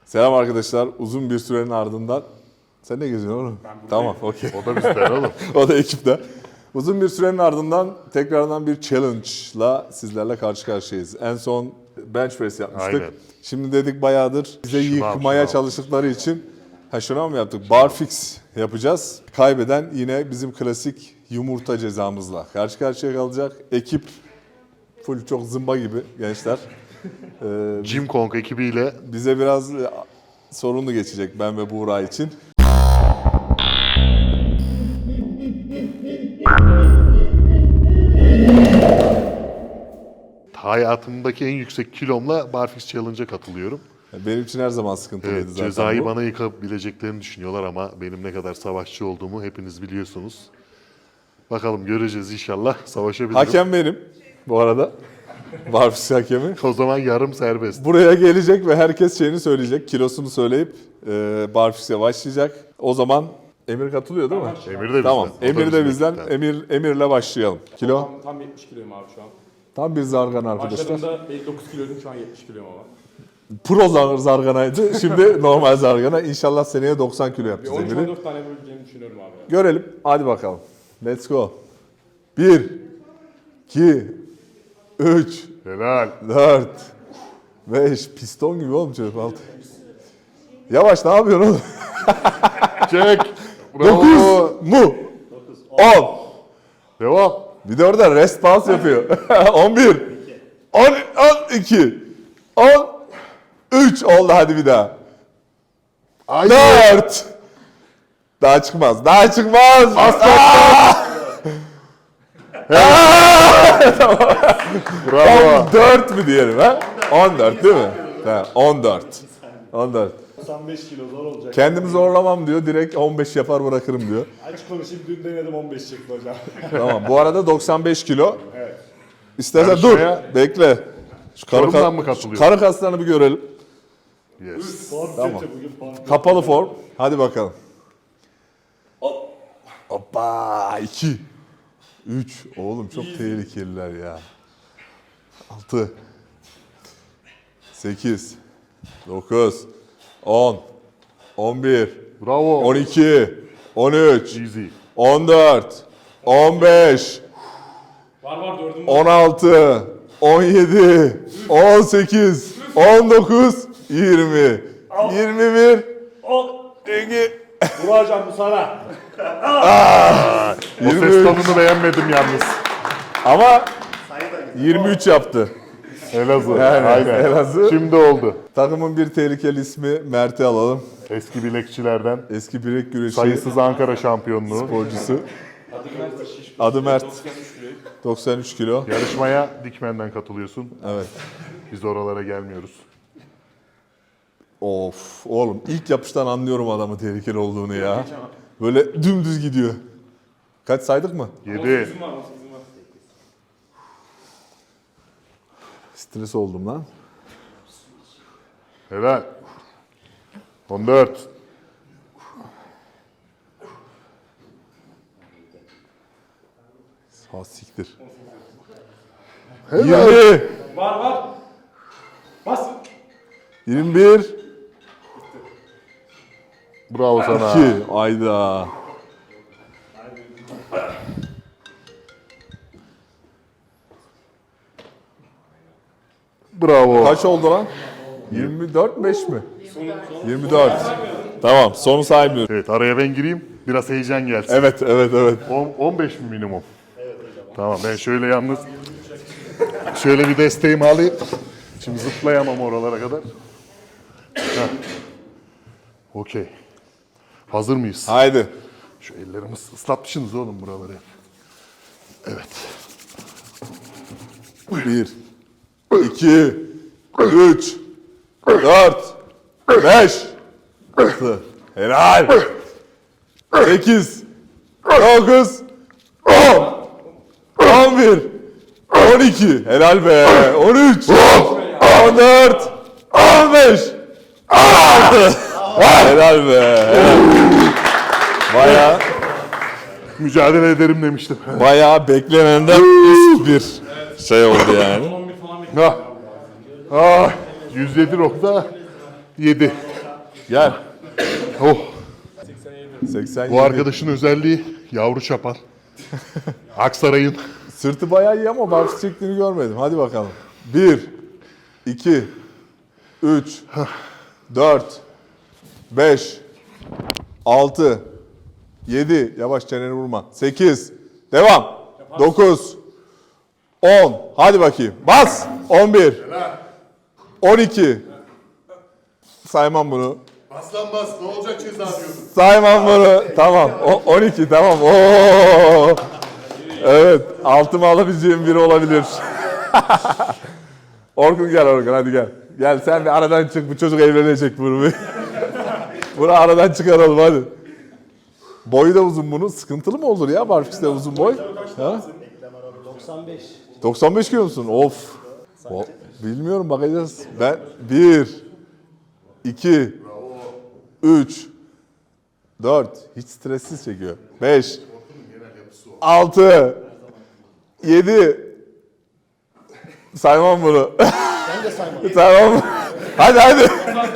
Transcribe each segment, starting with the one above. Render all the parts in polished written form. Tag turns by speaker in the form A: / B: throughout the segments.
A: Selam arkadaşlar. Uzun bir sürenin ardından... Sen ne geziyorsun oğlum? Tamam, okey.
B: O da bizden oğlum.
A: O da ekipte. Uzun bir sürenin ardından tekrardan bir challenge'la sizlerle karşı karşıyayız. En son bench press yapmıştık.
B: Aynen.
A: Şimdi dedik bayağıdır bize yıkmaya çalıştıkları için şuna mı yaptık? Barfix yapacağız. Kaybeden yine bizim klasik yumurta cezamızla karşı karşıya kalacak. Ekip full çok zımba gibi gençler.
B: Jim Kong ekibiyle
A: Bize biraz sorunlu geçecek ben ve Buğra için.
B: hayatımdaki en yüksek kilomla Barfix Challenge'a katılıyorum.
A: Benim için her zaman sıkıntılıydı
B: Evet,
A: zaten
B: cezayı
A: bu.
B: bana yıkabileceklerini düşünüyorlar ama benim ne kadar savaşçı olduğumu hepiniz biliyorsunuz. Bakalım göreceğiz inşallah. Savaşabilirim.
A: Hakem benim bu arada. Barfix hakemi.
B: O zaman yarım serbest.
A: Buraya gelecek ve herkes şeyini söyleyecek. Kilosunu söyleyip Barfix'e başlayacak. O zaman Emir katılıyor değil mi?
B: Emir de bizden.
A: Tamam.
B: O da
A: Emir de
B: bizim
A: bizden.
B: ekipten.
A: Emir'le başlayalım. Kilo.
C: Tam 70 kiloyum abi şu an.
A: Tam bir zargan arkadaşlar.
C: Başladığımda 59 kiloydum, şu an 70 kiloyum ama.
A: Pro zarganaydı. Şimdi normal zargana. İnşallah seneye 90 kilo
C: Bir
A: yapacağız Emir'i.
C: 13-14 tane yapabileceğimi düşünüyorum abi.
A: Görelim. Hadi bakalım. Let's go. 1, 2, 3,
B: Helal.
A: 4, 5. Piston gibi oğlum çocuk. 6. Yavaş ne yapıyorsun oğlum?
B: Çek.
A: 9
B: Bravo.
A: mu? 10.
B: Devam.
A: Bir de orada rest pause yapıyor. 11. 12. 13 oldu hadi bir daha.
B: Ay.
A: 4. Daha çıkmaz. Daha çıkmaz.
B: Bravo.
A: 14 mü diyelim ha? 14 değil mi? Ha, 14. 14.
D: 95 kilo zor olacak.
A: Kendimi zorlamam diyor. Direkt 15 yapar bırakırım diyor.
D: Açık konuşayım, dün denedim 15 çıktı hocam.
A: Tamam. Bu arada 95 kilo.
D: Evet.
A: İstersen dur.
B: Yarışmaya
A: Bekle. Şu
B: Çorum'dan mı katılıyor?
A: Karı kaslarını bir görelim.
B: Yes.
D: Form
A: Tamam.
D: kötü bugün form kötü.
A: Kapalı form. Hadi bakalım. Hoppa. 2. 3. Oğlum çok tehlikeliler ya. 6. 8. 9. 10. 11.
B: Bravo.
A: 12. 13.
B: Easy.
A: 14. 15.
C: Var dördüm var.
A: 16. 17. 18. 19. 20. 21. 22.
D: Burak hocam bu sana.
B: O ses
A: 23.
B: tonunu beğenmedim yalnız.
A: Ama 23 yaptı.
B: Elazığ.
A: Yani
B: Aynen.
A: Elazığ.
B: Şimdi oldu.
A: Takımın bir tehlikeli ismi Mert'i alalım.
B: Eski bilekçilerden
A: Eski bilek güreşi
B: sayısız Ankara şampiyonluğu.
A: sporcusu. Adı Mert. 93 kilo.
B: Yarışmaya Dikmen'den katılıyorsun.
A: Evet.
B: Biz oralara gelmiyoruz.
A: Of oğlum ilk yapıştan anlıyorum adamın tehlikeli olduğunu ya. Böyle dümdüz gidiyor. Kaç saydık mı?
B: 7.
C: 18'im var, 18'im var.
A: Stres oldum lan.
B: Helal. 14.
A: Ha siktir.
B: Helal.
A: 20.
C: Var. Bas.
A: 21.
B: Bravo sana.
A: 2. Ayda.
B: Bravo.
A: Kaç oldu lan? 24 5 mi? 24. Tamam, sonu saymıyorum.
B: Evet, araya ben gireyim. Biraz heyecan gelsin.
A: Evet.
B: 15 mi minimum? Evet hocam. Tamam, ben şöyle yalnız şöyle bir desteğimi alayım. Şimdi zıplayamam oralara kadar. Heh. Okey. Hazır mıyız?
A: Haydi.
B: Şu ellerimiz ıslatmışsınız oğlum buraları. Evet.
A: 1 2 3 4 5 6 Helal. 8 9 10 11 12 Helal be. 13 14 15 16 Helal be. Helal.
B: Mücadele ederim demiştim.
A: Bayağı beklenenden üst bir şey oldu yani.
C: 11 falan bekliyorum.
B: Ah, 107.7.
A: Gel.
B: Oh.
A: 87.
B: Bu arkadaşın özelliği yavru çapar. Aksaray'ın.
A: Sırtı bayağı iyi ama barfiks çektiğini görmedim. Hadi bakalım. 1, 2, 3, 4, 5, 6, 7, yavaş çeneni vurma. 8, devam. 9, 10, hadi bakayım. Bas. 11, 12, saymam bunu.
B: Aslan bas, ne olacak ceza diyorsun?
A: Saymam bunu. Tamam. 12 tamam. Oo. Evet. Altımı alabileceğim biri olabilir. Orkun gel Orkun hadi gel. Gel sen bir aradan çık. Bu çocuk evlenecek bunu bir. Bunu aradan çıkaralım hadi. Boyu da uzun bunun. Sıkıntılı mı olur ya barfiks'te uzun boy? Ha?
D: 95.
A: 95 kilo musun? Of. Bilmiyorum bakacağız. Ben 1, 2, 3, 4. Hiç stressiz çekiyor. 5, 6, 7. Saymam bunu.
D: Ben de saymam.
A: Saymam. Hadi.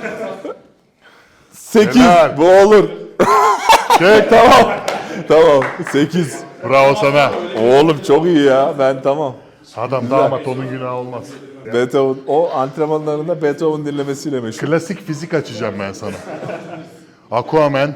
A: 8.
B: Helal.
A: Bu olur.
B: Çek.
A: Tamam. 8.
B: Bravo sana.
A: Oğlum çok iyi ya. Ben tamam.
B: Adam damat, onun günahı olmaz.
A: Beethoven, o antrenmanlarında Beethoven dinlemesiyle meşhur.
B: Klasik fizik açacağım ben sana. Aquaman.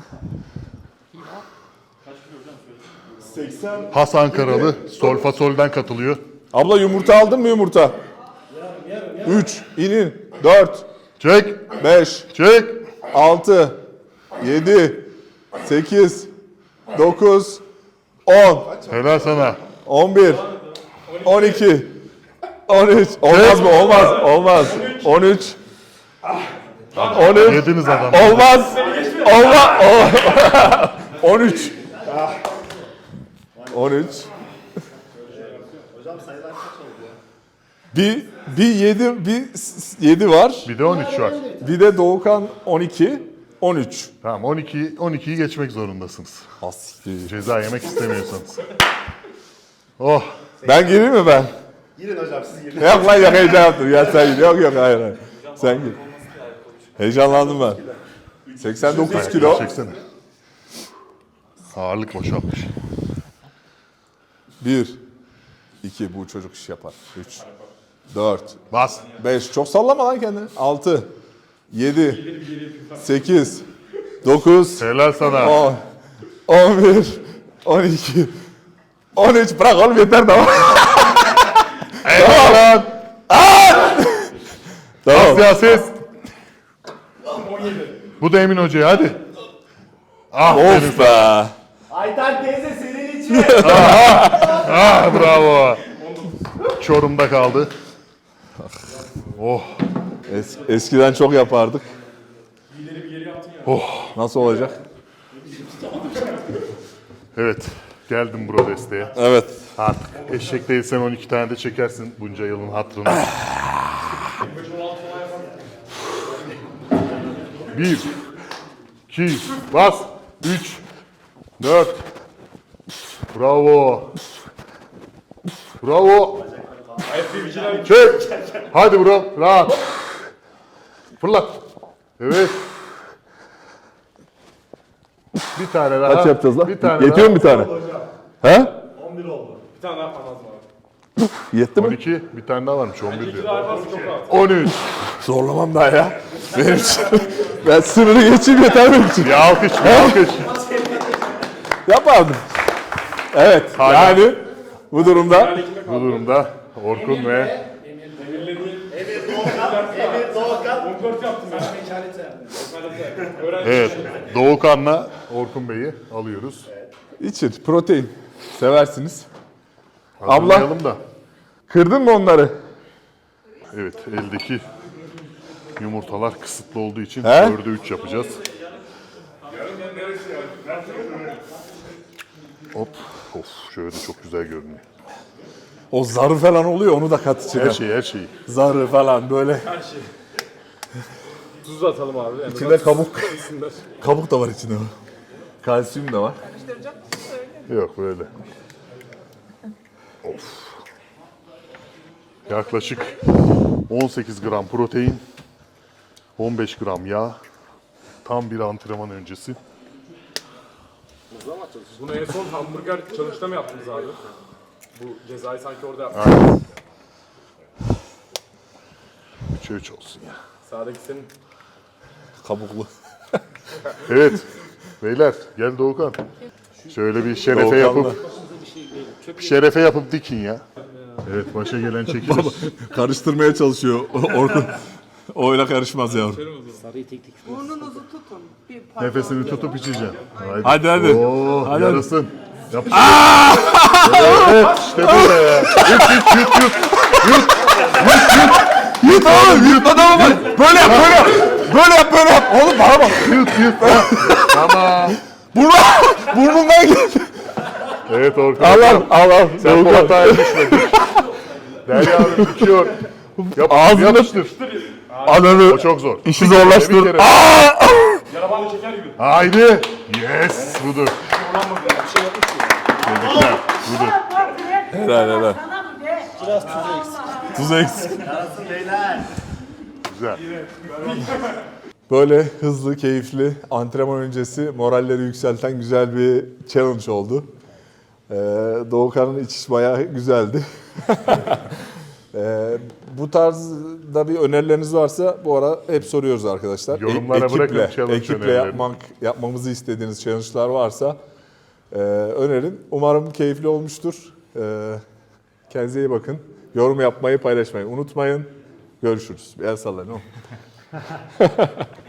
D: 80.
B: Has Ankaralı. Solfa Sol'den katılıyor.
A: Abla yumurta aldın mı yumurta? 3, inin. 4,
B: Çek.
A: 5,
B: Çek.
A: 6, 7, 8, 9, 10,
B: Helal sana.
A: 11, 12, 13. Olmaz mı? Olmaz. 13, 13.
B: Yediniz adamı.
A: Olmaz. 13. 13.
D: Hocam sayılar kaç oldu ya?
A: Bir 7 var.
B: Bir de 13 var.
A: Bir de Doğukan 12, 13.
B: Tamam, 12'yi geçmek zorundasınız.
A: Asiktir.
B: Ceza yemek istemiyorsanız. Oh.
A: Ben gireyim mi ben?
D: Girin hocam siz girin.
A: Yok lan yok heyecan yaptım. Ya sen gir. Yok hayır. Sen gir. Heyecanlandım ben. 89 kilo.
B: Çeksene. Ağırlık boşaltmış.
A: 1, 2 bu çocuk iş yapar. 3, 4,
B: Bas.
A: 5. Çok sallama lan kendini. 6, 7, 8, 9,
B: Helal sana.
A: 10, 11, 12, 13. Bırak oğlum yeter tamam.
B: Eyvallah.
A: Tamam.
B: Siyaset. Bu da Emin Hoca'ya, hadi. Ah,
A: Of be.
D: Ayten teyze senin için.
B: ah, bravo. Çorum'da kaldı. Oh.
A: Eskiden çok yapardık. Nasıl olacak?
B: Evet. Geldim bro desteğe.
A: Evet.
B: Artık eşek değilsen 12 tane de çekersin bunca yılın hatırına. 1, 2, bas. 3, 4. Bravo. Bravo. Çek. Hadi bro. Rahat. Fırlat. Evet. Bir tane daha.
A: Kaç yapacağız lan?
B: Bir tane
A: Yetiyor mu bir tane? He?
D: 11 oldu.
C: Bir tane daha yapman lazım abi.
A: Yetti mi?
B: 12. Bir tane daha varmış. 11
C: Bir
B: diyor.
C: daha yaparsın çok rahat.
B: 13.
A: Zorlamam daha ya. Benim için. Ben sınırı geçeyim yeter benim için.
B: Bir alkış, bir alkış.
A: Yapardım. Evet.
B: Hala.
A: Yani bu durumda
B: Bu durumda Orkun ve
D: Emir Doğukan.
C: 14 yaptım ben.
B: evet Doğukan'la Orkun Bey'i alıyoruz.
A: için protein seversiniz.
B: Hazırlayalım da.
A: Kırdın mı onları?
B: Evet, eldeki yumurtalar kısıtlı olduğu için
A: He?
B: 4'e 3 yapacağız. Hop. Of, şöyle çok güzel görünüyor.
A: O zarı falan oluyor onu da kat içine.
B: Her şeyi.
A: Zarı falan böyle.
C: Tuz da atalım abi. Yani
A: İçinde kabuk. Kabuk da var içinde. Kalsiyum da var.
B: Yok böyle. Of. Yaklaşık 18 gram protein, 15 gram yağ, Tam bir antrenman öncesi.
C: Bunu en son hamburger çalışta mı yaptınız abi? Bu cezayı sanki orada yaptınız.
B: Aynen. 3'e 3 olsun ya.
C: Sağdaki senin.
A: Kabuklu.
B: Evet. Beyler gel Doğukan. Şöyle bir şerefe
A: Doğukan'la.
B: yapıp şerefe yapıp dikin ya. Evet başa gelen çekilir.
A: Karıştırmaya çalışıyor Orkun. O öyle karışmaz yavrum.
E: Burnunuzu tutun. Bir parça.
B: Nefesini tutup içeceğim.
A: Hadi hadi.
B: Oo,
A: Hadi.
B: yarasın. Yapıştır. Evet işte böyle ya.
A: Yut oğlum yut adamı bak. Böyle yap böyle yap. Böyle yap böyle yap. Oğlum bana bak.
B: Yut. Tamam.
A: Burnundan geldi.
B: Evet Orkun.
A: Al.
B: Sen bu hataya düşme. Derya Hanım bitiyor.
A: Ağzını
B: Yapıştır.
A: Ananı
B: O çok zor.
A: işi
B: Bir
A: zorlaştır.
B: kere.
C: Yarabanlı şeker gibi.
B: Haydi. Yes. Budur. Tebrikler. Budur.
A: Helal.
E: Sana mı be?
A: Tuzu eksik.
B: Güzel.
A: Böyle hızlı, keyifli, antrenman öncesi moralleri yükselten güzel bir challenge oldu. Doğukan'ın içiş bayağı güzeldi. Bu tarzda bir önerileriniz varsa bu ara hep soruyoruz arkadaşlar.
B: Yorumlara bırakın challenge
A: ekiple
B: önerilerini.
A: yapmamızı istediğiniz challenge'lar varsa önerin. Umarım keyifli olmuştur. Kendinize iyi bakın. Yorum yapmayı, paylaşmayı unutmayın. Görüşürüz. Bir el sallayın.